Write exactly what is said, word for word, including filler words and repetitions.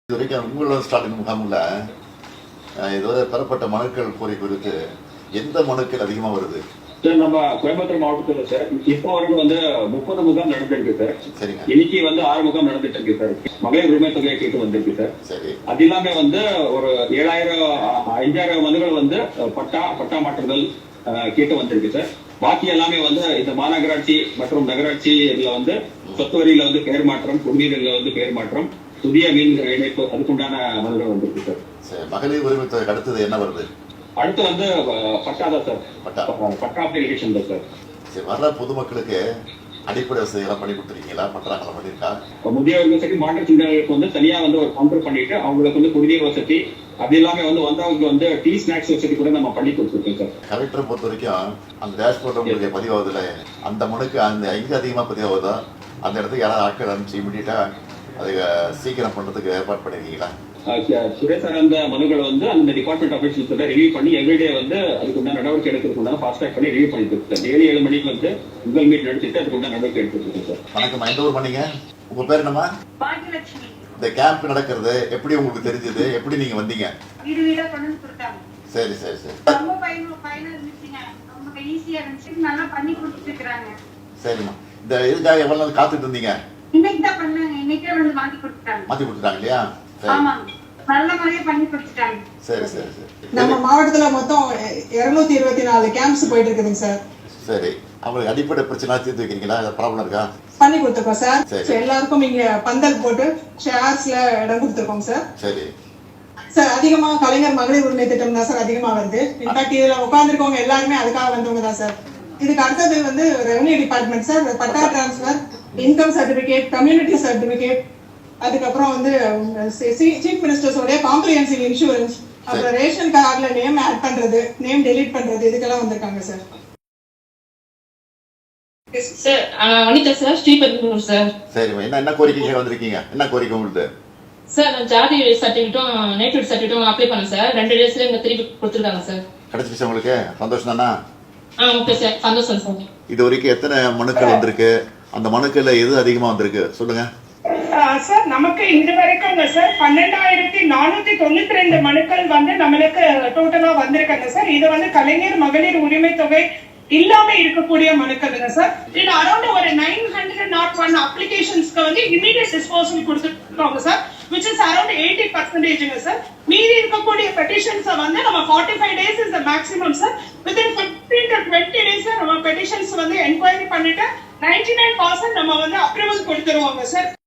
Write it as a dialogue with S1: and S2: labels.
S1: இதுவரைக்கும் உங்களோட ஸ்டாலின் முகாமில் இதுவரை பெறப்பட்ட மனுக்கள் கோரி குறித்து எந்த மனுக்கள் அதிகமாக வருது?
S2: சார் நம்ம கோயம்புத்தூர் மாவட்டத்தில் சார் இப்போ வரைக்கும் வந்து முப்பது முகாம் நடந்திருக்கு சார்.
S1: சரிங்க.
S2: இன்னைக்கு வந்து ஆறு முகாம் நடந்துட்டு இருக்கு சார். மகளிர் உரிமை தொகையை கேட்டு வந்திருக்கு சார்.
S1: சரி.
S2: அது இல்லாம வந்து ஒரு ஏழாயிரம் அஞ்சாயிரம் மனுகள் வந்து பட்டா பட்டா மாற்றுதல் கேட்டு வந்திருக்கு சார். பாக்கி எல்லாமே வந்து இந்த மாநகராட்சி மற்றும் நகராட்சி இதுல வந்து சொத்து வரியில வந்து பெயர் மாற்றம், குடிநீர்ல வந்து பெயர் மாற்றம், புதிய மீன் இணைப்பு அதுக்குண்டான மனுகள் வந்திருக்கு சார்.
S1: மகளிர் உரிமை தொகை அடுத்தது என்ன வருது?
S2: அடுத்து வந்து பட்டாதான் சார்.
S1: பட்டா
S2: பட்டா அப்ளிகேஷன் தான் சார்.
S1: சரி, வர்ற பொதுமக்களுக்கு அடிப்படை வசதிகள்லாம் பண்ணி கொடுத்துருக்கீங்களா? பண்றாங்களா? பண்ணிருக்கா?
S2: முதியவர்கள் சரி மாற்றுத்திறனாளிகளுக்கு வந்து தனியா வந்து ஒரு கவுண்டர் பண்ணிட்டு அவங்களுக்கு வந்து குடிநீர் வசதி அது எல்லாமே வந்து வந்தவங்க வந்து டீ ஸ்நாக்ஸ் வசதி கூட நம்ம பண்ணி கொடுத்துருக்கோம் சார்.
S1: கலெக்டரை பொறுத்த வரைக்கும் அந்த டேஷ்போர்ட் உங்களுக்கு பதிவாகுதுல, அந்த மனுக்கு அந்த எங்க அதிகமா பதிவாகுதோ அந்த இடத்துக்கு யாராவது ஆட்கள் அனுப்பிச்சு இமீடியட்டா அதை சீக்கிரம் பண்றதுக்கு ஏற்பாடு பண்ணிருக்கீங்களா?
S2: துறை சார்ந்த மனுக்களை வந்து அந்த டிபார்ட்மெண்ட் ஆஃபீஸர்ஸோட ரிவ்யூ பண்ணி எவ்ரிடே வந்து அதுக்குண்டான நடவடிக்கை எடுக்கிறதுக்குண்டான ஃபாஸ்ட் ட்ராக் பண்ணி ரிவ்யூ பண்ணிட்டு சார். டெய்லி ஏழு மணிக்கு வந்து உங்கள் மீட் நடத்திட்டு அதுக்குண்டான நடவடிக்கை எடுத்துருக்கோம் சார்.
S1: வணக்கம், எந்த ஊர் பண்ணீங்க? உங்க பேர் என்னமா?
S3: பாக்கியலட்சுமி.
S1: இந்த கேம்ப் நடக்கிறது எப்படி உங்களுக்கு தெரிஞ்சது? எப்படி நீங்க வந்தீங்க?
S3: வீடு வீடா கொண்டு கொடுத்தாங்க.
S1: சரி சரி சரி.
S3: ரொம்ப பயனுள்ள இருந்துச்சுங்க. ரொம்ப ஈஸியா இருந்துச்சு. நல்லா பண்ணி கொடுத்துட்டு இருக்காங்க.
S1: சரிம்மா. இந்த இதுக்காக எவ்வளவு நாள் காத்துட்டு இருந்தீங்க?
S3: இன்னைக்கு தான் பண்ணாங்க. இன்னைக்கே வந்து மாத்தி கொடுத்துட்டாங்க.
S1: மாத்தி கொடுத்துட்டாங்க இல்லையா?
S3: ஆமா, நல்ல மாதிரியே பண்ணி கொடுத்துட்டாங்க.
S1: சரி சரி சரி.
S4: நம்ம மாவட்டத்துல மொத்தம் இருநூத்தி இருபத்தி நாலு கேம்ப்ஸ் போயிட்டு இருக்குதுங்க சார்.
S1: சரி, அவங்களுக்கு அடிப்படை பிரச்சனை தீர்த்து வைக்கிறீங்களா? ப்ராப்ளம் இருக்கா?
S4: பண்ணி கொடுத்துருக்கோம் சார்.
S1: சரி.
S4: எல்லாருக்கும் இங்க பந்தல் போட்டு ஷேர்ஸ்ல இடம் கொடுத்துருக்கோம் சார்.
S1: சரி
S4: சார், அதிகமா கலைஞர் மகளிர் உரிமை திட்டம் தான் சார் அதிகமா வருது. இன்ஃபேக்ட் இதுல உட்கார்ந்துருக்கவங்க எல்லாருமே அதுக்காக வந்தவங்க தான் சார். இதுக்கு அடுத்தது வந்து revenue department sir. Patta transfer, income certificate, community certificate, அதுக்கப்புறம் வந்து சீஃப் மினிஸ்டர்ஸோட காம்ப்ரிஹென்சிவ் இன்சூரன்ஸ், அப்புறம் ரேஷன் கார்டுல நேம் ஆட் பண்றது, நேம் டெலீட் பண்றது, இதுக்கெல்லாம் வந்திருக்காங்க sir.
S5: Sir Vanitha sir, Sriperumbudur sir.
S1: சரிம்மா, என்ன என்ன கோரிக்கை வந்திருக்கீங்க? என்ன கோரிக்கை உங்களுக்கு?
S5: சார் நான் ஜாதி சர்டிஃபிகேட்டும் நேட்டிவ் சர்டிஃபிகேட்டும் அப்ளை பண்ணேன் சார். ரெண்டு டேஸ்ல எங்க திருப்பி கொடுத்துருக்காங்க சார்.
S1: கிடைச்சிருச்சு உங்களுக்கு? சந்தோஷம் தானா?
S5: ஆ ஓகே சார், சந்தோஷம் சார்.
S1: இது வரைக்கும் எத்தனை மனுக்கள் வந்திருக்கு? அந்த மனுக்கள்ல எது அதிகமா வந்திருக்கு சொல்லுங்க
S6: சார். நமக்கு இது வரைக்கும் சார் பன்னெண்டாயிரத்தி நானூத்தி தொண்ணூத்தி ரெண்டு மனுக்கள் வந்து நம்மளுக்கு டோட்டலா வந்திருக்காங்க சார். இது வந்து கலைஞர் மகளிர் உரிமை தொகை இல்லாம இருக்கக்கூடிய மனுக்கள் சார். இது அரௌண்ட் ஒரு நைன் ஹண்ட்ரட் நாட் ஒன் அப்ளிகேஷன்ஸ்க்கு வந்து இமீடியட் டிஸ்போசல் கொடுத்துருக்காங்க sir, which is around eighty percent sir. மீதி இருக்கக்கூடிய பெட்டிஷன்ஸ் வந்து நம்ம forty five days is the maximum sir. within fifteen to twenty days நம்ம பெட்டிஷன்ஸ் வந்து என்கொயரி பண்ணிட்டு ninety nine percent நம்ம வந்து அப்ரூவல் கொடுத்துருவாங்க சார்.